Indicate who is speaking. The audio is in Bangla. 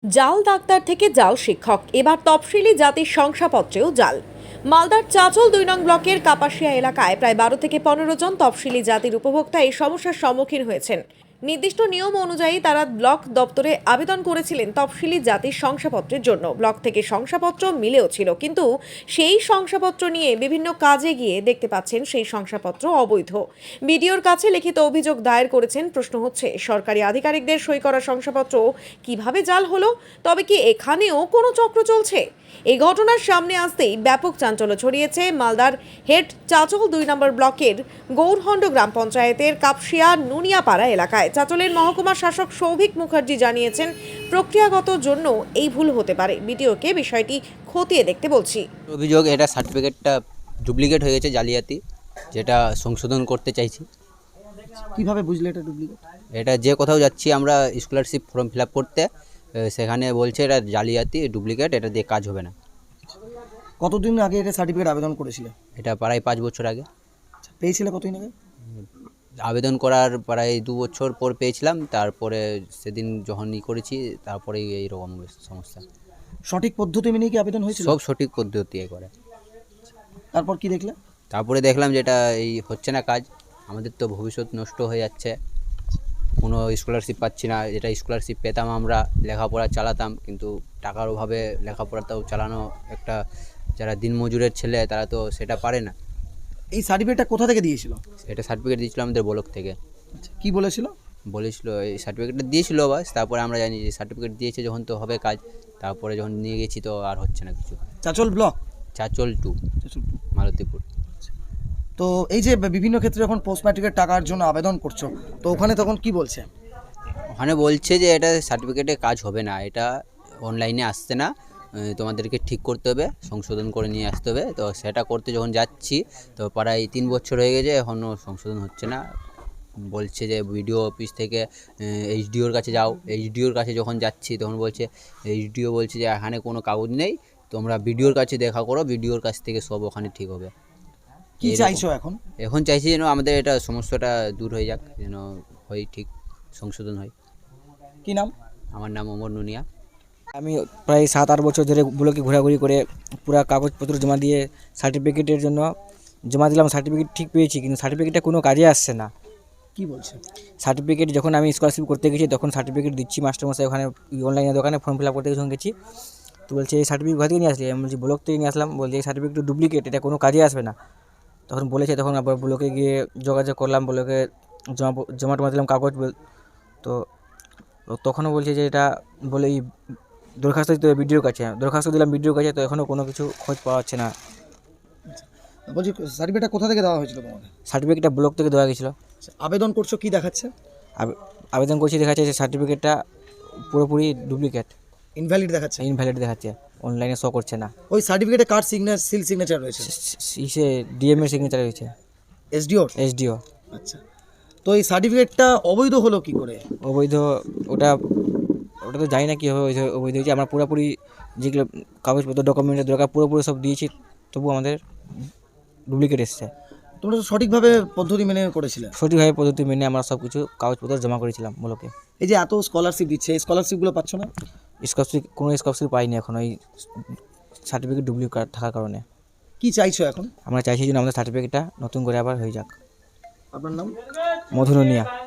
Speaker 1: জাল ডাক্তার থেকে জাল শিক্ষক, এবার তফসিলি জাতির শংসাপত্রেও জাল। মালদার চাঁচল ২ নং ব্লকের কাপাসিয়া এলাকায় প্রায় ১২ থেকে ১৫ জন তফসিলি জাতির উপভোক্তা এই সমস্যার সম্মুখীন হয়েছেন। নির্দিষ্ট নিয়ম অনুযায়ী তারা ব্লক দপ্তরে আবেদন করেছিলেন তফসিলি জাতির শংসাপত্রের জন্য। ব্লক থেকে শংসাপত্র মিলেও ছিল, কিন্তু সেই শংসাপত্র নিয়ে বিভিন্ন কাজে গিয়ে দেখতে পাচ্ছেন সেই শংসাপত্র অবৈধ। বিডিওর কাছে লিখিত অভিযোগ দায়ের করেছেন। প্রশ্ন হচ্ছে, সরকারি আধিকারিকদের সই করা শংসাপত্র কিভাবে জাল হলো? তবে কি এখানেও কোনো চক্র চলছে? এই ঘটনার সামনে আসতেই ব্যাপক চাঞ্চল্য ছড়িয়েছে মালদার হেড চাঁচল ২ নম্বর ব্লকের গৌরহন্ড গ্রাম পঞ্চায়েতের কাপসিয়া নুনিয়াপাড়া এলাকায়। চাঁচলের মহকুমা শাসক সৌভিক মুখার্জি জানিয়েছেন, প্রক্রিয়াগত জন্য এই ভুল হতে পারে। বিডিওকে বিষয়টি খতিয়ে দেখতে বলছি।
Speaker 2: অভিযোগ, এটা সার্টিফিকেটটা ডুপ্লিকেট হয়ে গেছে, জালিয়াতি, যেটা সংশোধন করতে চাইছি।
Speaker 3: কিভাবে বুঝলে এটা ডুপ্লিকেট?
Speaker 2: এটা যে কোথাও যাচ্ছি আমরা স্কলারশিপ ফর্ম ফিল আপ করতে, সেখানে বলছে এটা জালিয়াতি, ডুপ্লিকেট, এটা দিয়ে কাজ হবে না।
Speaker 3: কতদিন আগে এটা সার্টিফিকেট আবেদন করেছিলে?
Speaker 2: এটা প্রায় 5 বছর আগে
Speaker 3: পেয়েছিলে কতদিন আগে?
Speaker 2: আবেদন করার প্রায় 2 বছর পর পেয়েছিলাম। তারপরে সেদিন যখন করেছি, তারপরেই এইরকম সমস্যা।
Speaker 3: সঠিক পদ্ধতি মেনে কি আবেদন হয়েছিল?
Speaker 2: সব সঠিক পদ্ধতি করে।
Speaker 3: তারপর কি দেখলে?
Speaker 2: তারপরে দেখলাম যে এটা এই হচ্ছে না কাজ, আমাদের তো ভবিষ্যৎ নষ্ট হয়ে যাচ্ছে, কোনো স্কলারশিপ পাচ্ছি না। যেটা স্কলারশিপ পেতাম আমরা লেখাপড়া চালাতাম, কিন্তু টাকার অভাবে লেখাপড়াটাও চালানো, একটা যারা দিনমজুরের ছেলে তারা তো সেটা পারে না।
Speaker 3: এই সার্টিফিকেটটা কোথা থেকে দিয়েছিল?
Speaker 2: এটা সার্টিফিকেট দিয়েছিল আমাদের ব্লক থেকে।
Speaker 3: কি বলেছিল?
Speaker 2: বলেছিল এই সার্টিফিকেটটা দিয়েছিল বাস, তারপরে আমরা জানি যে সার্টিফিকেট দিয়েছে যখন তো হবে কাজ। তারপরে যখন নিয়ে গেছি তো আর হচ্ছে না কিছু।
Speaker 3: চাঁচল ব্লক,
Speaker 2: চাঁচল 2, মালতীপুর।
Speaker 3: তো এই যে বিভিন্ন ক্ষেত্রে যখন পোস্ট ম্যাট্রিকের টাকার জন্য আবেদন করছো, তো ওখানে তখন কি বলছে?
Speaker 2: ওখানে বলছে যে এটা সার্টিফিকেটে কাজ হবে না, এটা অনলাইনে আসছে না, তোমাদেরকে ঠিক করতে হবে, সংশোধন করে নিয়ে আসতে হবে। তো সেটা করতে যখন যাচ্ছি, তো প্রায় 3 বছর হয়ে গেছে, এখনও সংশোধন হচ্ছে না। বলছে যে বিডিও অফিস থেকে এইচডিওর কাছে যাও। এইচডিওর কাছে যখন যাচ্ছি তখন বলছে, এইচডিও বলছে যে এখানে কোনো কাগজ নেই, তোমরা বিডিওর কাছে দেখা করো, বিডিওর কাছ থেকে সব ওখানে ঠিক হবে।
Speaker 3: কি চাইছো এখন?
Speaker 2: এখন চাইছি যেন আমাদের এটা সমস্যাটা দূর হয়ে যাক, যেন হয় ঠিক সংশোধন হয়।
Speaker 3: কি নাম?
Speaker 2: আমার নাম ওমর নুনিয়া।
Speaker 4: আমি প্রায় 7-8 বছর ধরে ব্লকে ঘোরাঘুরি করে পুরা কাগজপত্র জমা দিয়ে সার্টিফিকেটের জন্য জমা দিলাম। সার্টিফিকেট ঠিক পেয়েছি, কিন্তু সার্টিফিকেটটা কোনো কাজে আসছে না।
Speaker 3: কি বলছে?
Speaker 4: সার্টিফিকেট যখন আমি স্কলারশিপ করতে গেছি তখন সার্টিফিকেট দিচ্ছি, মাস্টারমশাই ওখানে অনলাইনে দোকানে ফর্ম ফিল আপ করতে যখন গেছি, তো বলছে এই সার্টিফিকেট কোথা থেকে নিয়ে আসলি? আমি বলছি ব্লক থেকে নিয়ে আসলাম। বলছে এই সার্টিফিকেট ডুপ্লিকেট, এটা কোনো কাজে আসবে না। তখন বলেছে, তখন আবার ব্লকে গিয়ে যোগাযোগ করলাম, ব্লকে জমা টমা দিলাম কাগজ। তো তখনও বলছে যে এটা বলে এই দরখাস্ত দিতে হবে বিডিওর কাছে। দরখাস্ত দিলাম বিডিওর কাছে, তো এখনও কোনো কিছু খোঁজ পাওয়া যাচ্ছে না।
Speaker 3: বলছি সার্টিফিকেটটা কোথা থেকে দেওয়া হয়েছিল তোমাদের?
Speaker 4: সার্টিফিকেটটা ব্লক থেকে দেওয়া গেছিলো।
Speaker 3: আবেদন করছো, কি দেখাচ্ছে?
Speaker 4: আবেদন করছি, দেখাচ্ছে যে সার্টিফিকেটটা পুরোপুরি ডুপ্লিকেট,
Speaker 3: ইনভ্যালিড দেখাচ্ছে।
Speaker 4: ইনভ্যালিড দেখাচ্ছে, অনলাইনে শো করছে না।
Speaker 3: ওই সার্টিফিকেটে কার সিল সিগনেচার রয়েছে?
Speaker 4: ইসে ডিএমের সিগনেচার রয়েছে,
Speaker 3: এসডিও।
Speaker 4: এসডিও।
Speaker 3: আচ্ছা, তো এই সার্টিফিকেটটা অবৈধ হলো কি করে?
Speaker 4: অবৈধ, ওটা তো জানি না কীভাবে অবৈধ হয়েছে। আমরা পুরোপুরি যেগুলো কাগজপত্র ডকুমেন্টের দরকার পুরোপুরি সব দিয়েছি, তবু আমাদের ডুপ্লিকেট এসছে।
Speaker 3: তোমরা তো সঠিকভাবে পদ্ধতি মেনে করেছিলে?
Speaker 4: সঠিকভাবে পদ্ধতি মেনে আমরা সব কিছু কাগজপত্র জমা করেছিলাম ব্লকে।
Speaker 3: এই যে এত স্কলারশিপ দিচ্ছে, এই স্কলারশিপগুলো পাচ্ছ না?
Speaker 4: কোনো স্কলারশিপ পাইনি এখন, ওই সার্টিফিকেট ডুপ্লিকেট থাকার কারণে।
Speaker 3: কি চাইছো এখন?
Speaker 4: আমরা চাইছি যেন আমাদের সার্টিফিকেটটা নতুন করে আবার হয়ে যাক।
Speaker 3: আপনার নাম?
Speaker 4: মধু নুনিয়া।